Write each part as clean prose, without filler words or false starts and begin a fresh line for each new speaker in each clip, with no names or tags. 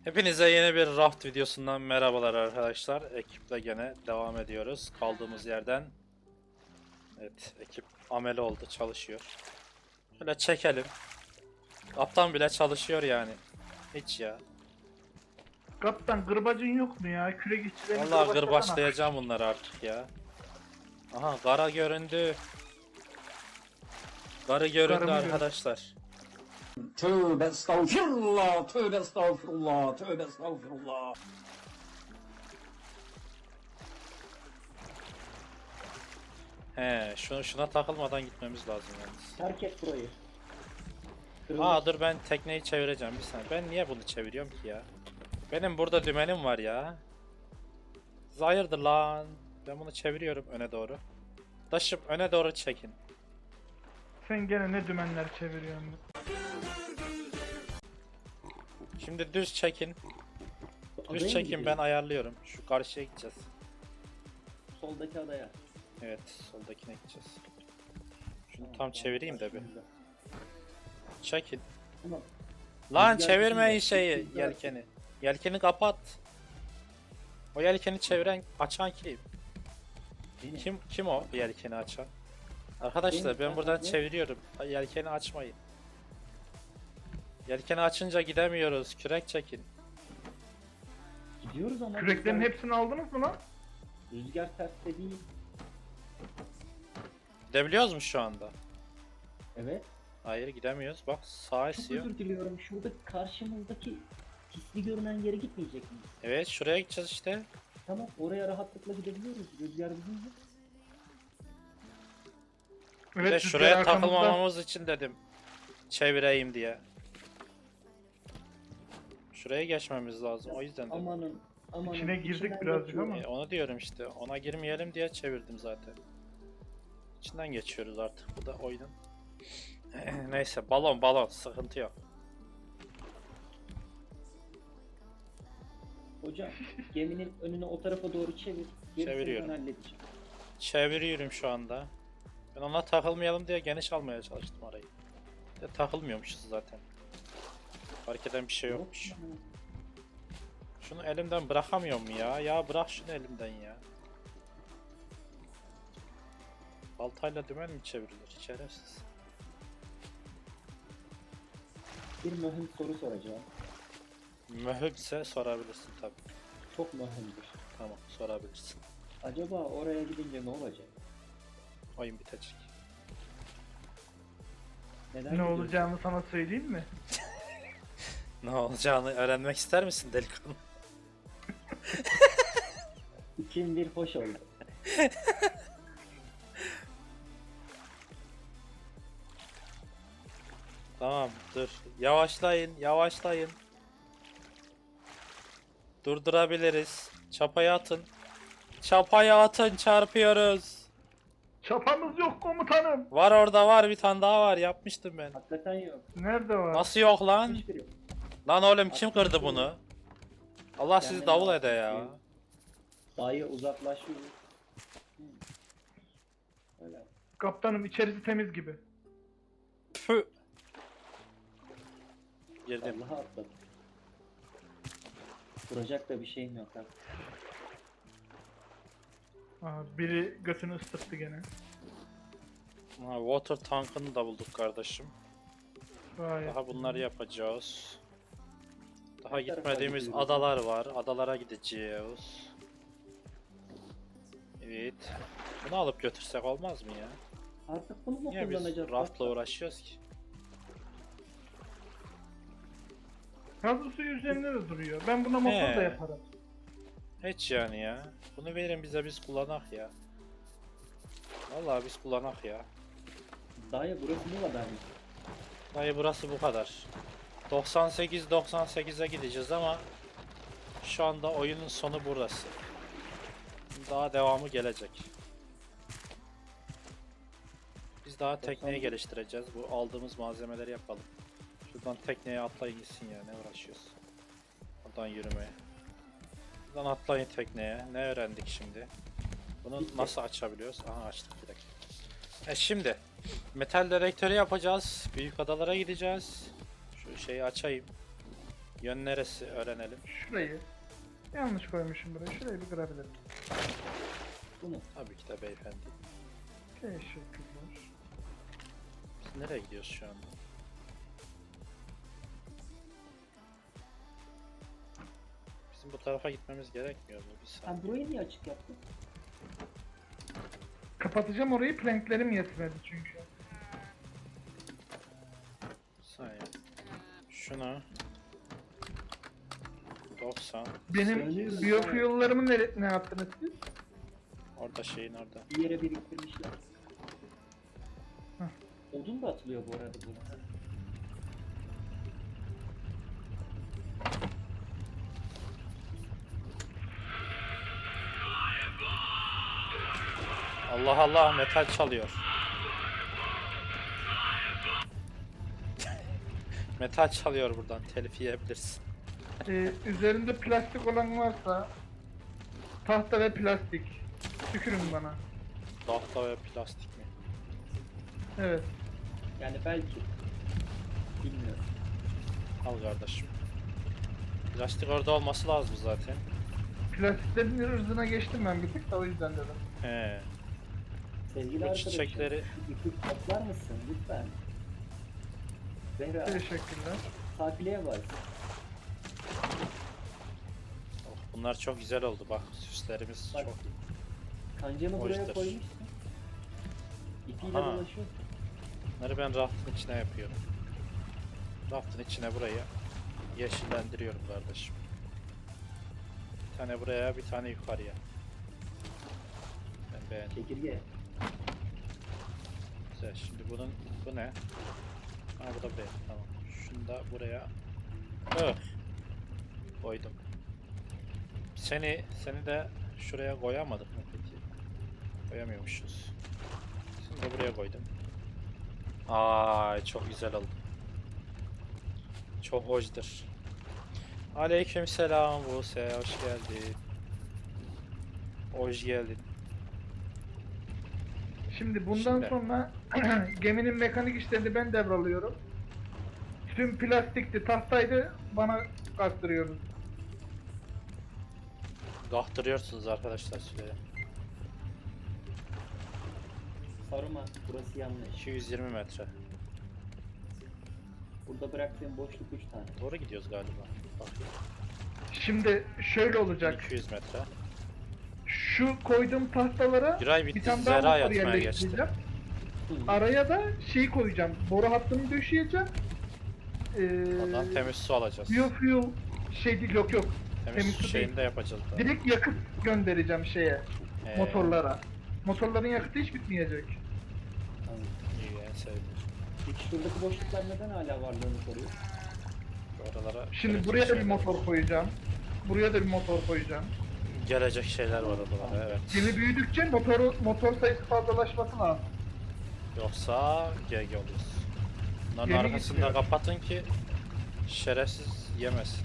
Hepinize yeni bir raft videosundan merhabalar arkadaşlar. Ekiple gene devam ediyoruz kaldığımız yerden. Evet, ekip amele oldu, çalışıyor. Şöyle çekelim. Kaptan bile çalışıyor yani. Hiç ya.
Kaptan gırbacın yok mu ya? Kürek işçilerini
Vallahi gırbaçlayacağım bunları artık ya. Aha, kara göründü. Karı göründü
Karımı
arkadaşlar.
Tövbe estağfirullah, tövbe estağfirullah, tövbe estağfirullah.
He, şuna takılmadan gitmemiz lazım yalnız.
Terk et burayı.
Aa dur, ben tekneyi çevireceğim bir saniye. Ben niye bunu çeviriyorum ki ya? Benim burada dümenim var ya. Hayırdır lan? Ben bunu çeviriyorum öne doğru. Taşım öne doğru çekin.
Sen gene ne dümenler çeviriyorsun?
Şimdi düz çekin. Düz çekin, ben ayarlıyorum. Şu karşıya gideceğiz.
Soldaki adaya.
Evet, soldakine gideceğiz. Şunu tam çevireyim de bir. Çekin.
Tamam.
Lan
Rüzgar
çevirmeyin
gücüyle,
şeyi,
rüzgar-
yelkeni. Yelkeni kapat. O yelkeni çeviren, açan kim?
Benim.
Kim o yelkeni açan? Arkadaşlar ben buradan
ne?
çeviriyorum. Yelkeni açmayın. Yelkeni açınca gidemiyoruz. Kürek çekin.
Gidiyoruz ama
Küreklerin
rüzgar,
hepsini aldınız mı lan?
rüzgar terste değil.
Gidebiliyoruz mu şu anda?
Evet.
Hayır, gidemiyoruz. Bak sağa
Çok
esiyor.
özür diliyorum. Şurada karşımızdaki hisli görünen yere gitmeyecek miyiz?
Evet, şuraya gideceğiz işte.
Tamam, oraya rahatlıkla gidebiliyoruz. Rüzgar bizim mi?
Bir de
rüzgar
şuraya
arkamızda.
takılmamamız için dedim. Çevireyim diye. Şuraya geçmemiz lazım. O yüzden dedim.
Amanın.
İçine girdik
içinden
birazcık
geçiyor.
ama.
Onu diyorum işte. Ona girmeyelim diye çevirdim zaten. İçinden geçiyoruz artık. Bu da oyunun. Neyse, balon sıkıntı yok.
Hocam, geminin önünü o tarafa doğru çevir. Gerisini
Çeviriyorum.
ben halledeceğim.
Çeviriyorum şu anda. Ben ona takılmayalım diye geniş almaya çalıştım arayı. De takılmıyormuşuz zaten. Fark eden bir şey yokmuş.
Yok.
Şunu elimden bırakamıyorum ya. Ya bırak şunu elimden ya. Baltayla dümen mi çevrilir? Şerefsiz.
Bir mühim soru soracağım.
Mühimse sorabilirsin tabi.
Çok mühimdir.
Tamam, sorabilirsin.
Acaba oraya gidince ne olacak?
Oyun bitecek.
Neden
Ne
gidiyoruz?
olacağını sana söyleyeyim mi?
Ne olacağını öğrenmek ister misin delikanlı?
İçim bir hoş oldu.
Tamam, dur. Yavaşlayın. Durdurabiliriz. Çapayı atın, çarpıyoruz.
Çapamız yok komutanım.
Var, orada var, bir tane daha var, yapmıştım ben.
Hakikaten yok.
Nerede var?
Nasıl yok lan?
Hiçbir yok.
Lan oğlum, kim kırdı bunu? Allah sizi
Kendine
davul
bak.
ede ya.
Dayı uzaklaşıyor. Hı. Öyle.
Kaptanım içerisi temiz gibi.
Püh. Girdim.
Allah'a atladım. Duracak da bir şeyim yok ha.
Aha, biri götünü ısıttı gene.
Ha, water tankını da bulduk kardeşim.
Gayet.
Daha bunları yapacağız. Daha
Ne tarafa
gitmediğimiz
gidiyoruz?
adalar var. Adalara gideceğiz. Evet. Bunu alıp götürsek olmaz mı ya?
Artık bunu mu
Niye biz
kullanacağız?
raftla uğraşıyoruz ki?
Hazır suyu üzerinde de duruyor. Ben buna motor
He.
da yaparım.
Hiç yani ya. Bunu verin bize, biz kullanak ya. Vallahi biz kullanak ya.
Dayı burası bu kadar mı?
Dayı burası bu kadar. 98'e gideceğiz ama şu anda oyunun sonu burası. Daha devamı gelecek. Biz daha tekneyi
99.
geliştireceğiz. Bu aldığımız malzemeleri yapalım. Şuradan tekneye atlayın gitsin ya, ne uğraşıyoruz. Buradan yürümeye. Buradan atlayın tekneye. Ne öğrendik şimdi? Bunu
Bitti.
nasıl açabiliyoruz? Aha, açtık bir dakika. Şimdi metal dedektörü yapacağız. Büyük adalara gideceğiz. Şu şeyi açayım. Yön neresi öğrenelim.
Şurayı. Yanlış koymuşum buraya. Şurayı bir kırabilirim.
Bunu.
Tabii ki de beyefendi.
Teşekkürler.
Biz nereye gidiyoruz şu anda? Bizim bu tarafa gitmemiz gerekmiyor mu? Bir saniye.
Sen burayı niye açık yaptın?
Kapatacağım orayı. Planklerim yetmedi çünkü.
Bir saniye. Şuna 90.
Benim
Söylüyorum.
biyofuel'larımı ne yaptınız siz?
Orada şeyin orada.
Bir yere biriktirmişler.
Hah.
Odun da atılıyor bu arada burada.
Allah Allah, metal çalıyor. Metal çalıyor buradan, telif yiyebilirsin.
Üzerinde plastik olan varsa tahta ve plastik. Tükürün bana.
Tahta ve plastik mi?
Evet.
Yani belki. Bilmiyorum.
Al kardeşim. Plastik orada olması lazım zaten.
Plastiklerin ırzına geçtim ben bir tık da o yüzden dedim.
He.
Sevgili
Bu
arkadaşım,
çiçekleri-
şu ipi toplar mısın lütfen? Zehra,
Teşekkürler.
takileye bak.
Oh, bunlar çok güzel oldu bak, süslerimiz
Bak.
çok iyi.
Kancamı buraya
Hoştur.
koymuşsun. İpiyle
Aha.
dolaşıyor.
Bunları ben raftın içine yapıyorum. Raftın içine burayı yeşillendiriyorum kardeşim. Bir tane buraya, bir tane yukarıya. Ben beğendim.
Çekirge.
Güzel. Şimdi bu ne? Ha, bu da B. Tamam. Şunu da buraya koydum. Seni de şuraya koyamadık mı peki? Koyamıyormuşuz. Seni de buraya koydum. Ay çok güzel oldu. Çok hoşdur. Aleykümselam Buse, hoş geldin. Hoş geldin.
Şimdi bundan
Şimdi.
sonra geminin mekanik işlerini ben devralıyorum. Tüm plastikti, tahtaydı bana kaktırıyoruz.
Gahtırıyorsunuz arkadaşlar süreye.
Sarıma. Burası yanlış.
220 metre.
Burada bıraktığım boşluk 3 tane.
Doğru gidiyoruz galiba. Bakayım.
Şimdi şöyle olacak.
200 metre.
Şu koyduğum tahtalara
Giray
bir
bitti,
tane daha
Zehra
motor
yatmaya geçti.
yerleştireceğim.
Hı.
Araya da şey koyacağım. Boru hattını döşeyeceğim.
Ondan temiz su alacağız.
Biofuel şey değil, yok.
Temiz
temiz
su
su
şeyini
değil.
de yapacağız da.
Direkt yakıt göndereceğim şeye,
Motorlar.
motorlara. Motorların yakıtı hiç bitmeyecek.
Tamam.
İyi, en sevdiğim.
Peki şuradaki boşluklar neden hala varlığını koruyor?
Oralara
Şimdi
gelecek
buraya da bir
şeyler-
motor koyacağım. Buraya da bir motor koyacağım.
Gelecek şeyler var oralara, evet.
Gemi büyüdükçe motor sayısı fazlalaşması lazım.
Yoksa GG oluyoruz. Bunların
Gemi
arkasını da
gitmiyor.
kapatın ki şerefsiz yemesin.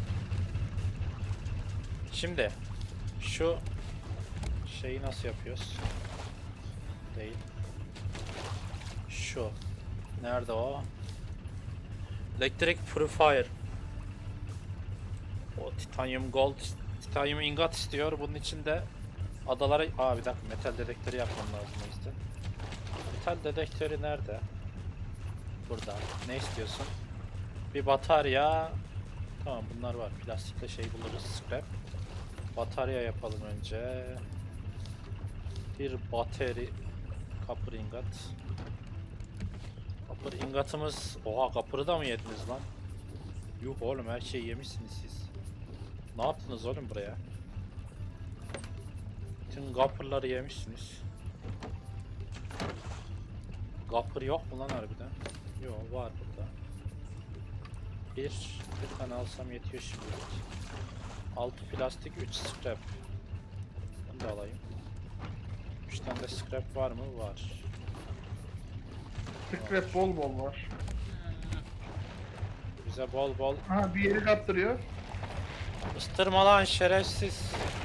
Şimdi şu şeyi nasıl yapıyoruz? Değil. Şu. Nerede o? Electric Purifier. O titanium gold, titanium ingot istiyor. Bunun için de adalara... Aa bir dakika, metal dedektörü yapmam lazım o yüzden. Metal dedektörü nerede? Burada. Ne istiyorsun? Bir batarya. Tamam, bunlar var. Plastikle şey buluruz. Scrap. Batarya yapalım önce. Bir bateri. Copper ingot. Copper ingotımız... Oha, copper'ı da mı yediniz lan? Yuh oğlum, her şeyi yemişsiniz siz. Ne yaptınız oğlum buraya? Bütün copper'ları yemişsiniz. Copper yok mu lan harbiden? Yok, var burada. Bir tane alsam yetiyor şimdi. 6 plastik, 3 scrap. Bunu da alayım. 3 tane de scrap var mı? Var.
Scrap bol bol var.
Bize bol bol
Ha, bir yeri kaptırıyor.
ıstırma lan şerefsiz.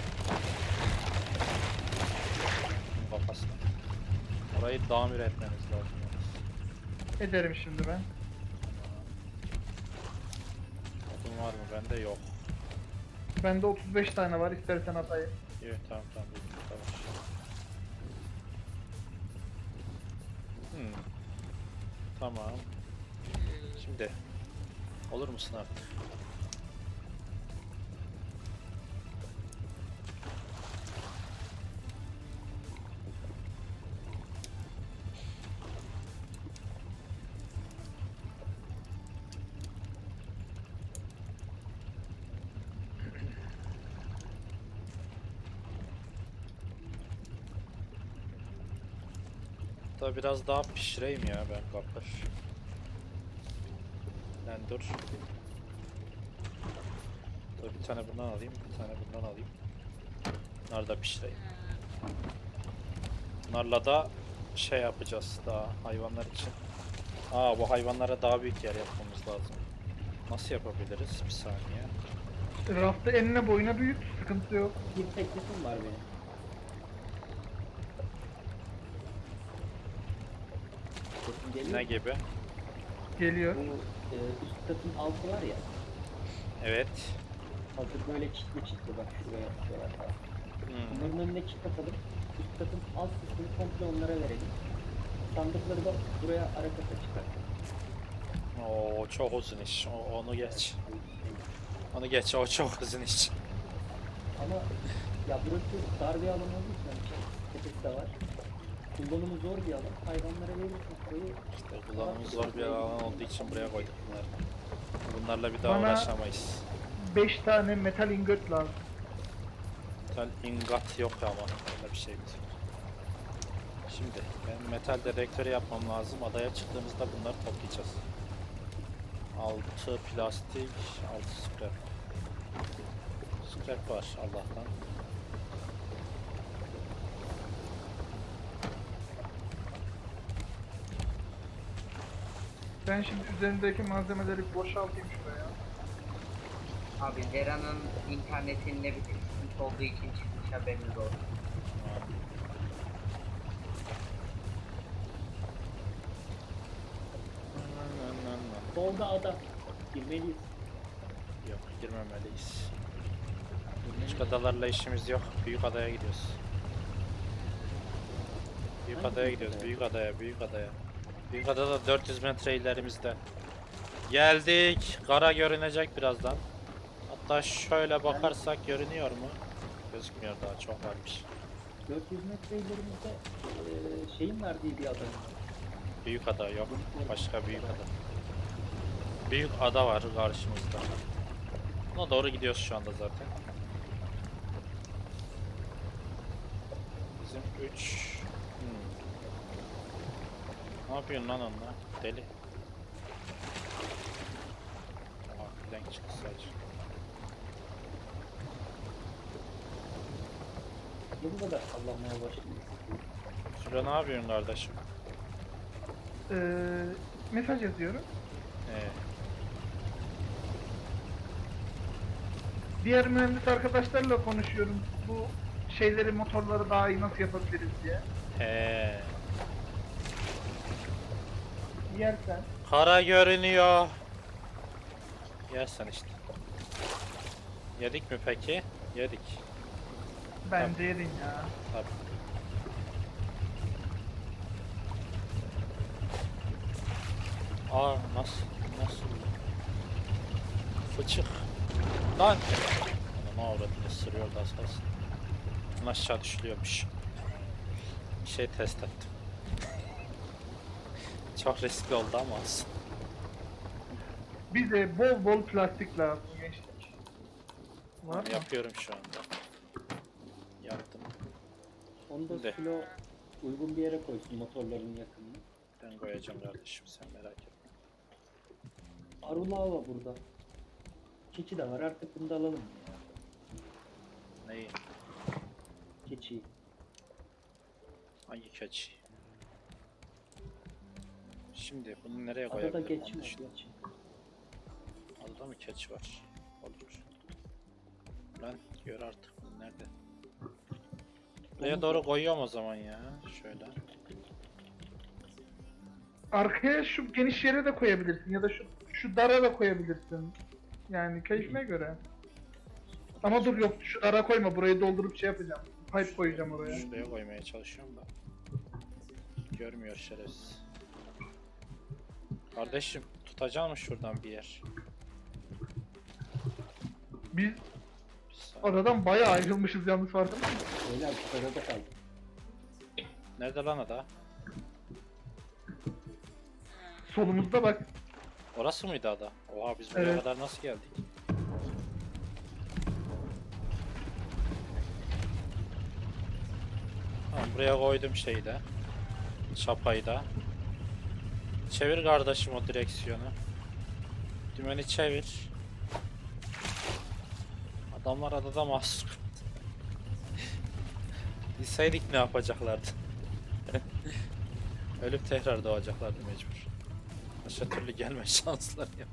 Kafasına. Orayı tamir etmemiz lazım.
Ederim şimdi ben.
Odun var mı? Bende yok.
Bende 35 tane var, istersen atayım.
Evet tamam tamam. Tamam. Hmm. Tamam. Şimdi olur musun artık? Da biraz daha pişireyim ya ben kapır. Lan dur. Dur bir tane bundan alayım, bir tane bundan alayım. Bunları da pişireyim. Bunlarla da şey yapacağız daha hayvanlar için. Aa bu hayvanlara daha büyük yer yapmamız lazım. Nasıl yapabiliriz? Bir saniye.
Rafta enine boyuna büyüt, sıkıntı yok.
Bir teklifim var benim. Sesim geliyor
Ne
mu?
gibi?
Geliyor.
Bu üst katın altı var ya.
Evet.
Hazır böyle çitli çitli bak şuraya şuraya falan.
Hmm.
Bunların önüne çit atalım. Üst katın alt kısmını komple onlara verelim. Sandıkları da buraya ara kata çıkartalım.
Oo çok uzun iş. Onu geç. Onu geç. O çok uzun iş.
Ama ya burası dar bir alan olduğu için hani tepesi de var. Kullanımı zor bir alan. Hayvanlara verirsin koyu.
İşte kullanımı zor bir alan olduğu için buraya koyduk bunları. Bunlarla bir daha
Bana-
uğraşamayız.
5 tane metal ingot lazım.
Metal ingot yok ama öyle bir şey yok. Şimdi ben metal dedektörü yapmam lazım. Adaya çıktığımızda bunları toplayacağız. 6 plastik, 6 scrap. Scrap var Allah'tan.
Ben şimdi üzerindeki malzemeleri boşaltayım şuraya.
Abi Lera'nın internetinde bir sıkıntı olduğu için çıkmış, haberiniz olsun.
Solda ada. Girmeliyiz.
Yok girmemeliyiz. Küçük adalarla işimiz yok. Büyük adaya gidiyoruz. Büyük
Hangi
adaya
büyük
gidiyoruz.
adaya?
Büyük adaya, büyük adaya. Büyük adada 400 metre ilerimizde. Geldik. Kara görünecek birazdan. Hatta şöyle bakarsak görünüyor mu? Gözükmüyor daha çok varmış.
400 metre ilerimizde şeyin verdiği bir ada.
Büyük ada yok. Başka büyük ada. Büyük ada var karşımızda. Ona doğru gidiyoruz şu anda zaten. Bizim 3. Ne yapıyorsun lan onunla? Deli. Aa, denk çıktı sadece.
Bu kadar sallanmaya başladı.
Şurada ne yapıyorsun kardeşim?
Mesaj yazıyorum. Diğer mühendis arkadaşlarla konuşuyorum. Bu şeyleri, motorları daha iyi nasıl yapabiliriz diye.
He.
Yersen.
Kara görünüyor. Yersen işte. Yedik mi peki? Yedik.
Bence yedin ya.
Tabii. Aa nasıl? Nasıl? Fıçık. Lan! Ana avradını ısırıyor da asas. Aşağı düşülüyormuş. Bir şey test ettim. Çok riskli oldu ama olsun.
Bize bol bol plastik lazım gençlik. Var mı?
Yapıyorum şu anda. Yaptım.
Onu da
Şimdi.
silo uygun bir yere koysun motorların yakınına.
Ben koyacağım kardeşim sen merak etme.
Arula var burada. Keçi de var artık bunu da alalım ya.
Neyi?
Keçi.
Hangi keçi? Şimdi bunu nereye
Adada
koyabilirim?
geç
Onu
mi?
düşün.
Geç.
Adada mı keçi var? Olur. Lan gör artık bunu nerede? Buraya doğru koyuyorum o zaman ya. Şöyle.
Arkaya şu geniş yere de koyabilirsin ya da şu dara da koyabilirsin. Yani keyfime göre. Ama dur yok şu ara koyma, burayı doldurup şey yapacağım. Pipe koyacağım oraya.
Şuraya koymaya çalışıyorum da. Görmüyor şerefsiz. Kardeşim tutacak mı şuradan bir yer?
Biz
Bir saniye.
aradan bayağı ayrılmışız yalnız, farkında mısın?
Beyler bu kadar kaldı.
Nerede lan ada?
Solumuzda bak.
Orası mıydı ada? Oha biz buraya
Evet.
kadar nasıl geldik? Tamam buraya koydum şeyi de. Çapayı da. Çevir kardeşim o direksiyonu. Dümeni çevir. Adamlar adada mahsur. Bilseydik ne yapacaklardı? Ölüp tekrar doğacaklardı mecbur. Başka türlü gelme şansları yok.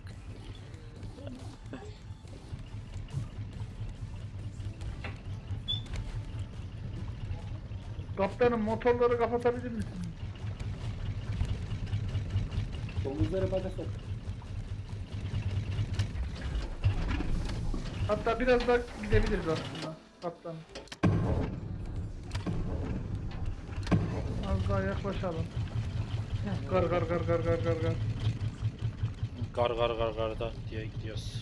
Kaptanım motorları kapatabilir misin?
Domuzları baga sok.
Hatta biraz daha gidebiliriz aslında kaptanım. Az daha yaklaşalım. Gar gar gar gar gar gar gar.
Gar gar gar gar da diye gidiyoruz.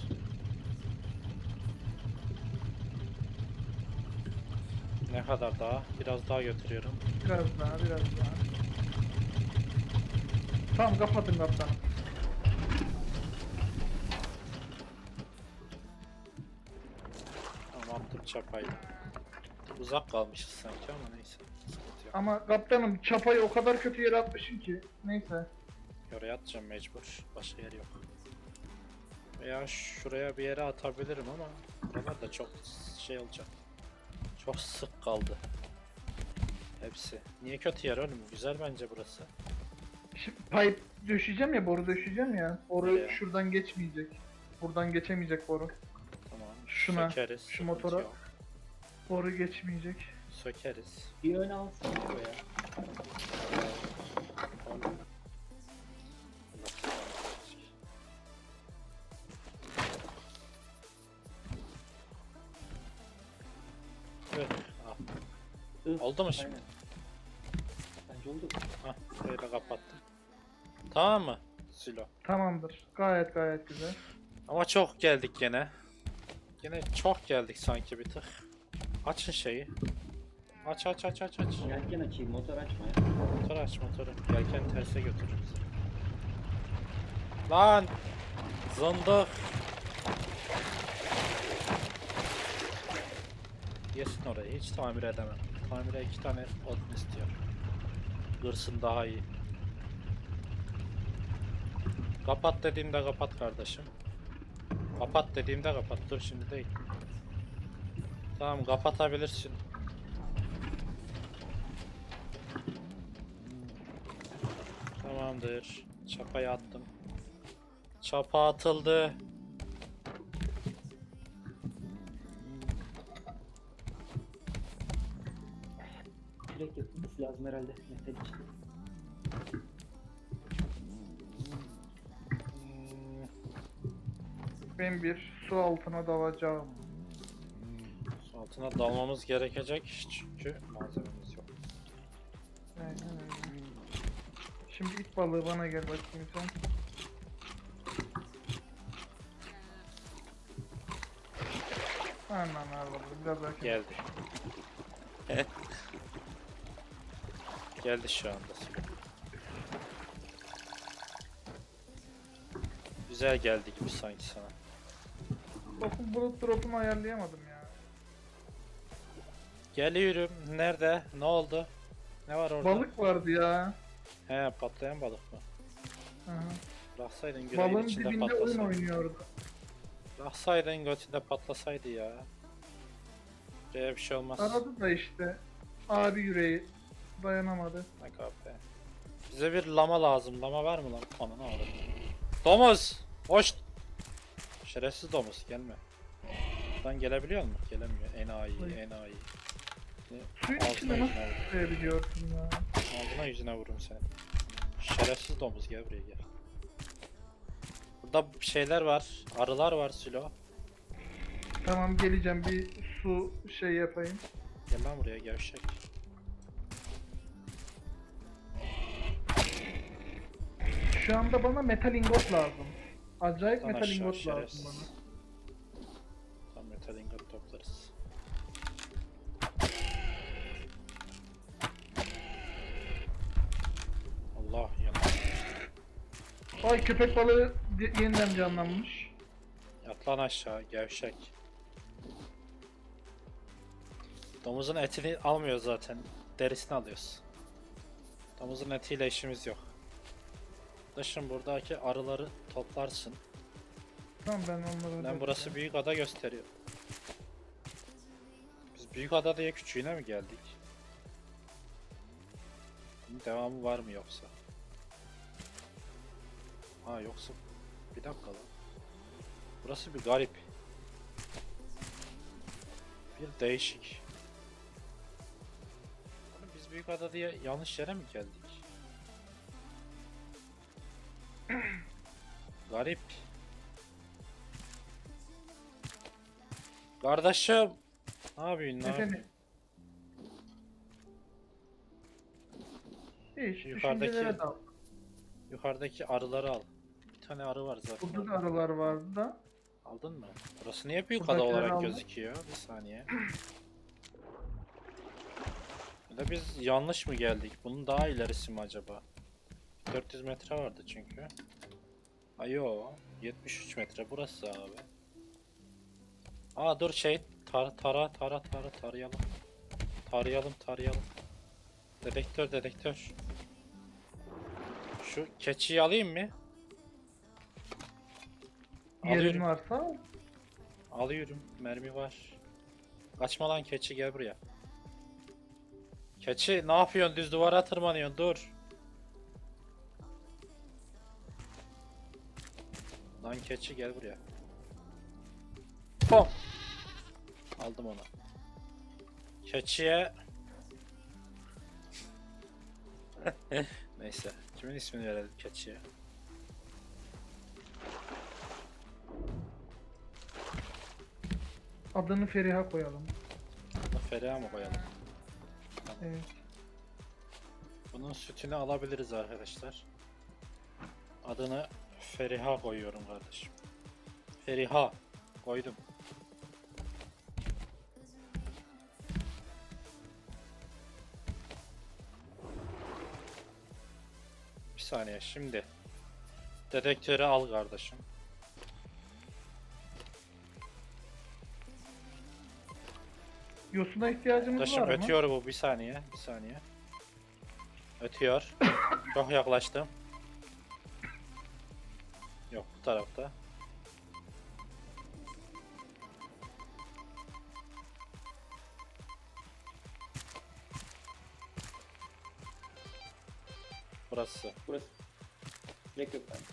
Ne kadar daha? Biraz daha götürüyorum.
Biraz daha, biraz daha. Tamam kapatın kaptanım.
Tamam attım çapayı. Uzak kalmışız sanki ama neyse. Sıkıntı yok.
Ama kaptanım çapayı o kadar kötü yere atmışım ki. Neyse.
Oraya atacağım mecbur. Başka yer yok. Veya şuraya bir yere atabilirim ama buralar da çok şey olacak. Çok sık kaldı. Hepsi. Niye kötü yer oğlum? Güzel bence burası.
Şimdi pipe döşeyeceğim ya, boru döşeyeceğim ya. Boru
Nereye?
şuradan geçmeyecek. Buradan geçemeyecek boru.
Tamam.
Şuna,
Sökeriz.
şu
sıkıntı
motora.
yok.
Boru geçmeyecek.
Sökeriz.
Bir öne alsana buraya.
Evet. Ah,
Ih,
oldu mu şimdi?
aynen. Bence oldu.
Hah, burayı da kapattım. Tamam mı? Silo.
Tamamdır. Gayet gayet güzel.
Ama çok geldik gene. Gene çok geldik sanki bir tık. Açın şeyi. Aç aç aç aç aç.
Yelken açayım, motor açma ya.
Motor aç motoru. Yelken terse götürür bizi. Lan! Zındık! Yesin orayı. Hiç tamir edemem. Tamire 2 tane odun istiyor. Hırsın daha iyi. Kapat dediğimde kapat kardeşim. Kapat dediğimde kapat. Dur şimdi değil. Tamam kapatabilirsin. Tamamdır. Çapayı attım. Çapa atıldı.
Direkt yapılması lazım herhalde. Metal için.
Ben bir su altına dalacağım.
Su altına dalmamız gerekecek çünkü malzememiz yok.
Aynen öyle. Şimdi ilk balığı bana gel bakayım sen. Aman Allah'ım biraz daha
Geldi. Geldi şu anda. Güzel geldi gibi sanki sana.
Bakın bulut drop'umu ayarlayamadım ya.
Geliyorum. Nerede? Ne oldu? Ne var orada?
Balık vardı ya.
He patlayan balık mı?
Aha.
Bıraksaydın güreğin
Balığın
içinde
dibinde oyun
patlasaydı.
oynuyordu.
Bıraksaydın götünde patlasaydı ya. Buraya bir şey olmaz.
Aradı da işte. Abi yüreği dayanamadı.
Ne kahpe. Bize bir lama lazım. Lama var mı lan? Ananı ağrı. Domuz! Hoş! Şerefsiz domuz gelme. Buradan gelebiliyor mu? Gelemiyor. Enayi,
Ay.
enayi.
Suyun
Ağzına
içinde
yüzüne
nasıl
vur.
tutabiliyorsun ya?
Ağzına yüzüne vururum seni. Şerefsiz domuz gel buraya gel. Burada şeyler var. Arılar var Sülo.
Tamam geleceğim, bir su şey yapayım.
Gel lan buraya gevşek.
Şu anda bana metal ingot lazım. Acayip
Lan
metal
aşağı,
ingot lazım
şerefsiz.
bana.
Tam metal ingot toplarız. Allah yalan.
Ay köpek balığı yeniden canlanmış.
Yat lan aşağı gevşek. Domuzun etini almıyoruz zaten. Derisini alıyoruz. Domuzun etiyle işimiz yok. Dışın buradaki arıları toplarsın.
Tamam ben onları
Ben burası büyük ada gösteriyor. Biz büyük ada diye küçüğüne mi geldik? Bunun devamı var mı yoksa? Ha yoksa bir dakika lan. Burası bir garip. Bir değişik. Oğlum biz büyük ada diye yanlış yere mi geldik? Garip. Kardeşim. Ne yapıyorsun? Ne
Efendim?
yapıyorsun?
Hiç
Yukarıdaki-
düşüncelere dal.
Yukarıdaki arıları al. Bir tane arı var zaten.
Burada da arılar vardı da.
Aldın mı? Burası niye büyük ada
Buradakileri
olarak
aldım.
gözüküyor? Bir saniye. Ya da biz yanlış mı geldik? Bunun daha ilerisi mi acaba? 400 metre vardı çünkü. Ay yo, 73 metre burası abi. Aa dur şey tarayalım. Tarayalım. Dedektör. Şu keçiyi alayım mı?
Yerin
Alıyorum.
varsa
Alıyorum. Mermi var. Kaçma lan keçi, gel buraya. Keçi ne yapıyorsun? Düz duvara tırmanıyorsun. Dur. Lan keçi gel buraya. Pom. Aldım onu. Keçiye neyse. Kimin ismini verelim keçiye?
adını Feriha koyalım.
Feriha mı koyalım?
Evet.
Bunun sütünü alabiliriz arkadaşlar. Adını Feriha koyuyorum kardeşim. Feriha koydum. Bir saniye şimdi. Dedektörü al kardeşim.
Yosuna ihtiyacımız
Kardeşim
var mı?
ötüyor bu, bir saniye. Ötüyor. Çok yaklaştım. Yok, bu tarafta. Burası.
Burası. Direkt yok ben.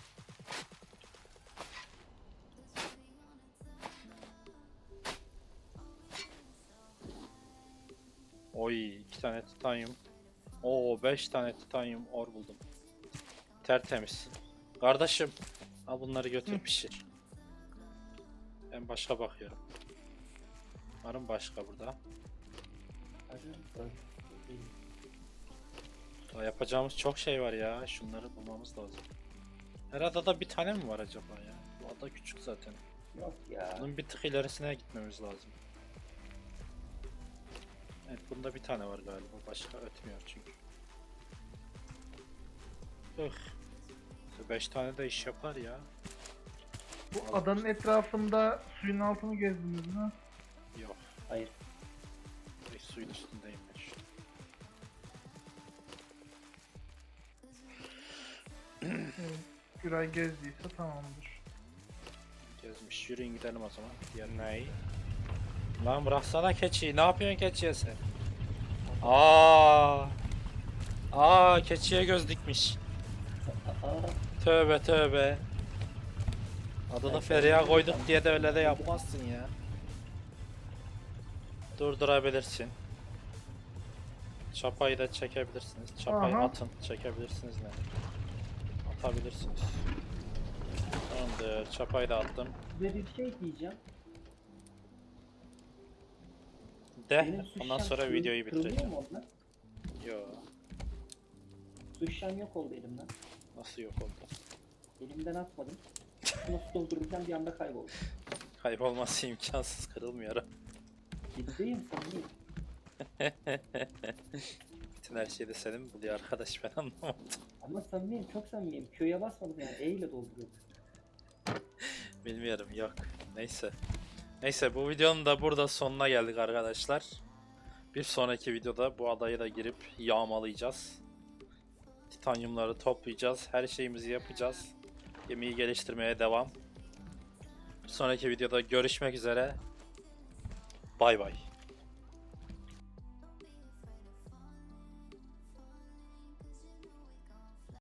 Oy, 2 tane titanyum. Oo, 5 tane titanyum or buldum. Tertemiz. Kardeşim, al bunları götür pişir. Ben başka bakıyorum. Varım başka burada. Daha yapacağımız çok şey var ya. Şunları bulmamız lazım. Her adada bir tane mi var acaba ya? Bu ada küçük zaten.
Yok ya.
Bunun bir tık ilerisine gitmemiz lazım. Evet, bunda bir tane var galiba. Başka ötmüyor çünkü. 5 tane de iş yapar ya.
Bu adanın etrafında suyun altını gezdiniz mi?
Yok.
Hayır.
Direkt suyun üstündeyim ben şu an.
Evet. Güray gezdiyse tamamdır.
Gezmiş. Yürüyün gidelim o zaman. Diğer neyi? Lan bıraksana keçiyi. Ne yapıyorsun keçiye sen? Keçiye göz dikmiş.
Aa,
Tövbe. Adını Feriha koyduk diye de öyle de yapmazsın ya. Durdurabilirsin. Çapayı da çekebilirsiniz. Çapayı
Aha.
atın. Çekebilirsiniz ne? Atabilirsiniz. Tamamdır. Çapayı da attım.
Size bir şey diyeceğim.
De.
Benim su
Ondan
şişem
sonra videoyu
kırılıyor
bitireceğim.
mu ondan?
Yo.
Su şişem yok oldu elimden.
Nasıl yok oldu?
Elimden atmadım. Nasıl doldururken bir anda kayboldu.
Kaybolması imkansız, kırılmıyor.
Ciddiyim sanırım.
Bütün her şeyi de senin buluyor arkadaş, ben anlamadım.
Ama samimiyim, çok samimiyim. Q'ya basmadım yani, E ile dolduruyorum.
Bilmiyorum, yok. Neyse. Neyse, bu videonun da burada sonuna geldik arkadaşlar. Bir sonraki videoda bu adayı da girip yağmalayacağız. Titanyumları toplayacağız. Her şeyimizi yapacağız. Gemiyi geliştirmeye devam. Bir sonraki videoda görüşmek üzere. Bay bay.